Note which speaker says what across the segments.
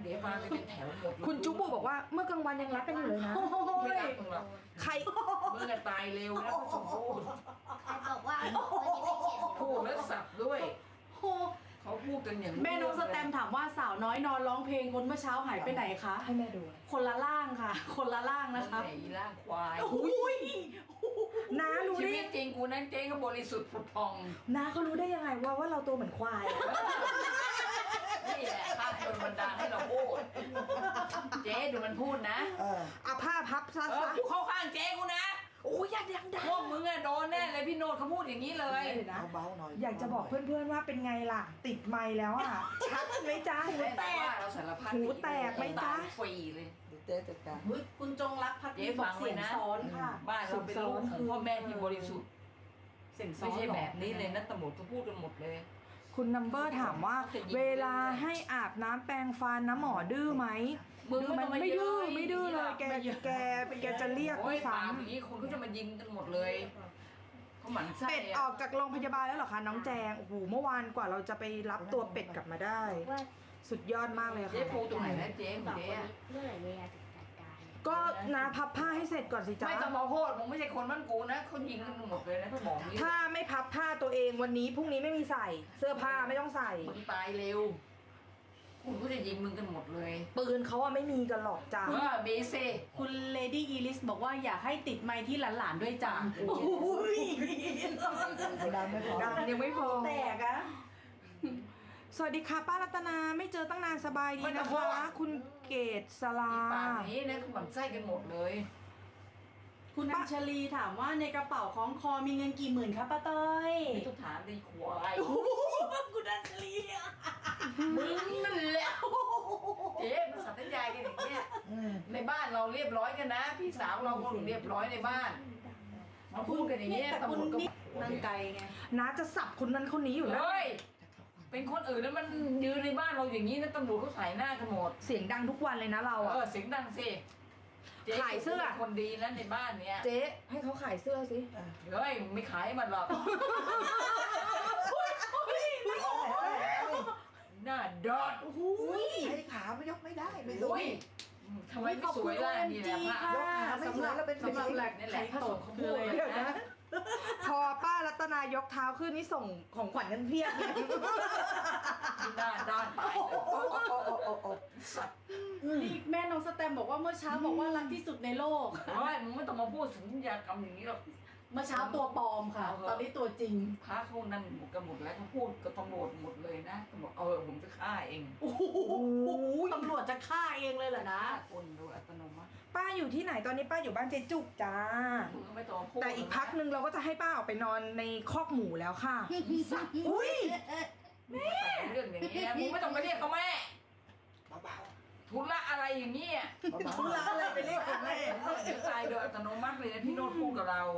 Speaker 1: ดี๋ยวมาเป็นแถวหมด
Speaker 2: คุณจุ๊บบอกว่าเมื่อกลางวันยังรักกันอยู่เลยนะ
Speaker 1: ไม่รักมึงหรอก
Speaker 2: ใคร
Speaker 1: มึงจะตายเร็วนะสมพูด
Speaker 3: ใครบอกว่าวันนี้ไม่เขียน
Speaker 1: พูดแล้วสับด้วย
Speaker 4: โอ้
Speaker 1: เขาพูดกันอย่าง
Speaker 4: แม่น้องสแตมถามว่าสาวน้อยนอนร้องเพลงคนเมื่อเช้าหายไปไหนคะ
Speaker 2: ให้แม่ดู
Speaker 4: คนละล่างค่ะ คนละล่าง
Speaker 1: นะ
Speaker 4: นะคะ
Speaker 1: ไหนล่างควาย
Speaker 4: อุ้ย
Speaker 2: น้ารู้
Speaker 1: ชี
Speaker 2: ได้
Speaker 1: วิตจริงกูนั้นเจ๊ก็บริสุทธิ์ผุดพอง
Speaker 2: น้าเขารู้ได้ยังไงว่าเราตัวเหมือนควายอะ
Speaker 1: นี่แหละข้าโดนบันดาลให้เราพูด เจ๊ดูมันพูดนะ
Speaker 2: เอาผ้าพับซะ
Speaker 1: กูเข้าข้างเจ๊กูนะ
Speaker 2: โอ้ยอยากดัง
Speaker 1: พวกมึงอะโดนแน่เลยพี่โนดเขาพูดอย่างนี้เลย
Speaker 2: เบาๆหน่อยอยากจะบอกเพื่อนๆว่าเป็นไงล่ะ ติดไมค์แล้วอ่ะ ชัดไหมจ๊ะหู
Speaker 1: แต่
Speaker 2: แต
Speaker 1: ว่าก เราสารพัด
Speaker 2: หูแตกไหมจ๊ะ
Speaker 1: ตายฟรีเลย
Speaker 5: เจ๊จัดการ
Speaker 4: อุ๊ยคุณจงรักพัก
Speaker 1: เจ๊
Speaker 4: ดีบ
Speaker 1: ฟั
Speaker 4: อก
Speaker 1: ง
Speaker 4: เสียง
Speaker 1: ไว้นะ
Speaker 4: ซ้อนค่ะ
Speaker 1: บ้านเราเป็นลูกของพ่อแม่ที่บริสุทธิ์
Speaker 4: เสียงซ้อ
Speaker 1: ไม่
Speaker 4: น
Speaker 1: ใช่
Speaker 4: หรอ
Speaker 1: แบบนี้เลยนะตำรวจเขาพูดกันหมดเลย
Speaker 2: คุณนัมเบอร์ถามว่า เวลาให้อาบน้ำแปรงฟันน้ำหมอดื้อไหม
Speaker 1: มึงไม่ต้องมา
Speaker 2: ไม่ดื้อ
Speaker 1: เย้ย
Speaker 2: ไม่ดื้อเลยแกจะเรียก
Speaker 1: โอ้
Speaker 2: ไม่
Speaker 1: ย
Speaker 2: ฟั
Speaker 1: ปาง กอย่างนี้คนเขาจะมายิงกันหมดเลยเขาหมั่นไส้
Speaker 2: เป็ดออกจากโรงพยาบาลแล้วเหรอคะน้องแจงโอ้โหเมื่อวานกว่าเราจะไปรับตัวเป็ดกลับมาได้
Speaker 3: ว่า
Speaker 2: สุดยอดมากเลย
Speaker 1: เจ๊
Speaker 2: ค่ะ
Speaker 1: ปูตรงไหนนะเจ๊ข
Speaker 3: ส
Speaker 1: อ
Speaker 3: อง ง
Speaker 1: เจ๊
Speaker 3: คน
Speaker 1: อะ
Speaker 3: นี้เมื่อไหร่เวลาจะจัดการ
Speaker 2: ก็นาพับผ้าให้เสร็จก่อนสิจ๊ะ
Speaker 1: ไม่ต้องมาโทษมึงไม่ใช่คนบ้านกูนะเขายิงกันหมดเลยนะเขาบอกนี้
Speaker 2: ถ้าไม่พับผ้าตัวเองวันนี้พรุ่งนี้ไม่มีใส่ เสื้อผ้าไม่ต้องใส่
Speaker 1: มึงตายเร็วคุณก็จะยิงมึงกันหมดเลย
Speaker 2: ปืนเขาอะไม่มีกันหรอกจ้ะ
Speaker 1: เบเซ่
Speaker 4: คุณเลดี้อีลิสบอกว่าอยากให้ติดไมค์ที่หลานๆด้วยจ้ะ
Speaker 2: โอ้ย
Speaker 5: ดังไม่พอ
Speaker 2: ดังยังไม่พอ
Speaker 4: แตกอะ
Speaker 2: สวัสดีค่ะป้ารัตนาไม่เจอตั้งนานสบายดีนะคะ คุณเกตสลา
Speaker 1: ปากนี้นะเขาหมั่นไส้กันหมดเลย
Speaker 4: คุณอัญชลีถามว่าในกระเป๋าของคอมีเงินกี่หมื่นคะป้าต้อย
Speaker 1: ไม่ต้องถามดีควาย
Speaker 4: คุณอัญชลีอะ
Speaker 1: มึงนั่นแหละเจ๊มันสัตยายกันอย่างเงี้ยในบ้านเราเรียบร้อยกันนะ พี่สาวเราก็เรียบร้อยในบ้านมาพูดกันอย่างเงี้ย
Speaker 4: แต่
Speaker 1: ตำร
Speaker 4: คุณ
Speaker 1: วจก็
Speaker 4: นี่นั่งไกลไง
Speaker 2: น้าจะสับคนนั้นคนนี้อยู่แล้ว
Speaker 1: เฮ้ยเป็นคนอื่นแล้วมันยืนในบ้านเราอย่างนี้นะตำรวจเขาถ่ายหน้ากันหมด
Speaker 2: เสียงดังทุกวันเลยนะเราอะ
Speaker 1: เสียงดังสิจ๊
Speaker 2: ขายเสื้อ
Speaker 1: ป็นคนดีแล้วในบ้านเนี้ย
Speaker 2: เจ๊ให้เขาขายเสื้อสิ
Speaker 1: เฮ้ยไม่ขายให้มันหรอกหน้าดอด
Speaker 5: ใช้ขาไม่ยกไม่ได้ไม่ส
Speaker 1: โอ้
Speaker 5: วย
Speaker 1: ยทำไมไม่สวยล่ะนี่แหละพระ
Speaker 5: ยกขาไม่สวยแล้วเป็น
Speaker 4: สำหรับแหลก
Speaker 1: นี่แห
Speaker 4: ไข่
Speaker 1: ละ
Speaker 4: ตก
Speaker 1: เขา
Speaker 4: คื
Speaker 1: พู
Speaker 4: อ
Speaker 1: ด
Speaker 4: อะไร
Speaker 1: เลยนะ
Speaker 2: พอป้ารัตนายกเท้าขึ้นนี่ส่งของขวัญกันเพียบเลย
Speaker 1: ด้านด้านไปเลย สัตว์
Speaker 4: นี่แม่น้องสแตมบอกว่าเมื่อเช้าบอกว่ารักที่สุดในโลก
Speaker 1: เฮ้ยมึงไม่ต้องมาพูดสัญญากรรมอย่างนี้หรอก
Speaker 4: เมื่อเช้าตัวปลอมค่ะ ตอนนี้ตัวจริง
Speaker 1: พระเขานั่นหมดกันหมดแล้วเขาพูดกับตำรวจหมดเลยนะตำรวจผมจะฆ่าเอง
Speaker 4: โอ้โหตำรวจจะฆ่าเองเลยเหรอนะ
Speaker 1: ฆ่าคนโดยอัตโนมัติ
Speaker 2: ป้าอยู่ที่ไหนตอนนี้ป้าอยู่บ้านเจ๊จุกจ้า
Speaker 1: มึงก็ไม่ต้องมาพูด
Speaker 2: แต่อีกพักหนึ่งเราก็จะให้ป้าออกไปนอนในคอกหมูแล้วค่ะ
Speaker 1: สัตว์
Speaker 2: อุ้ย
Speaker 1: มึงมาแต่งเรื่องอย่างนี้นะมึงไม่ต้องมาเรียกเขาแม่
Speaker 5: เบา
Speaker 1: ทุละอะไรอย่างนี้ย
Speaker 5: ๆ
Speaker 2: ธุระอะไรไปเรียกคุณแม่
Speaker 1: จะตายโดยอัตโนมัติเลยนะพี่โน้ตพูดกับเรา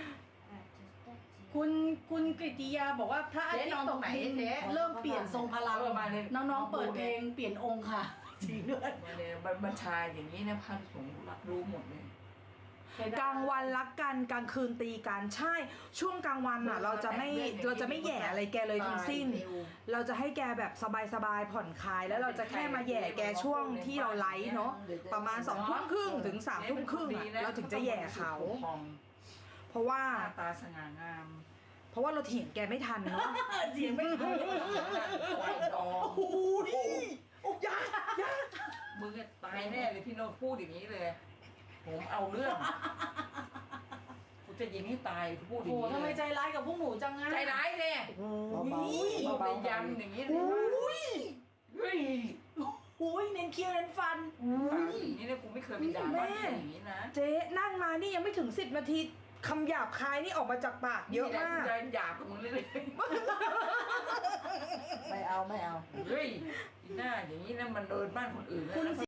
Speaker 4: คุณกฤติยาบอกว่าพระอาทิตย์ตกดินเริ่มเปลี่ยนทรงพลัง
Speaker 1: มาเลย
Speaker 4: น้องๆเปิดเพลงเปลี่ยนองค์ค่ะจริงด้วย
Speaker 1: มาเลยบัญชาอย่างนี้นะพระสงฆ์รับรู้หมดเลย
Speaker 2: กลางวันรักกันกลางคืนตีกันใช่ ช่วงกลางวันอ่ะ เราจะไม่แหย่อะไรแกเลยทั้งสิ้น เราจะให้แกแบบสบายๆผ่อนคลายแล้วเราจะแค่มาแหย่แกช่วงที่เราไลฟ์เนาะประมาณ20:30ถึง3:30อะเราถึงจะแหย่เขา เพราะว่า
Speaker 1: หน้าตาสง่างาม
Speaker 2: เพราะว่าเราเถียงแกไม่ทันเนาะ
Speaker 4: เสียงไม่ทัน
Speaker 1: ควายดอง
Speaker 2: โอ้ยโอ้ยา
Speaker 1: มึงอะตายแน่เลยพี่โน้ตพูดอย่างนี้เลย ผมเอาเรื่องกูจะยิงให้ตายกูพูดอ
Speaker 4: โอ้
Speaker 1: ย่าง
Speaker 4: โห
Speaker 1: นี้
Speaker 4: ทำไม
Speaker 1: เลย
Speaker 4: ใจร้ายกับพวกหนูจังอะ
Speaker 1: ใจร้ายเลย
Speaker 5: เบาๆ
Speaker 1: ไป
Speaker 5: เบาๆ
Speaker 1: ยันอย่างนี้เลยเฮ้ย
Speaker 4: โอ้ยเน้นเคี้ยวเน้นฟัน
Speaker 1: ปากอย่างนี้เนี่ยกูไม่เคยไปด่าบ้านคนอย่างนี้นะ
Speaker 2: เจ๊นั่งมานี่ยังไม่ถึง10 นาทีคำหยาบคายนี่ออกมาจากปากเยอะมาก
Speaker 1: นี่แหละกูจะหยาบกับมึงเลย
Speaker 5: ไม่เอา
Speaker 1: เฮ้ยอีหน้าอย่างนี้นะมันเดินบ้านคนอื่นนะ
Speaker 4: คุณ
Speaker 1: แล้ว
Speaker 4: สิ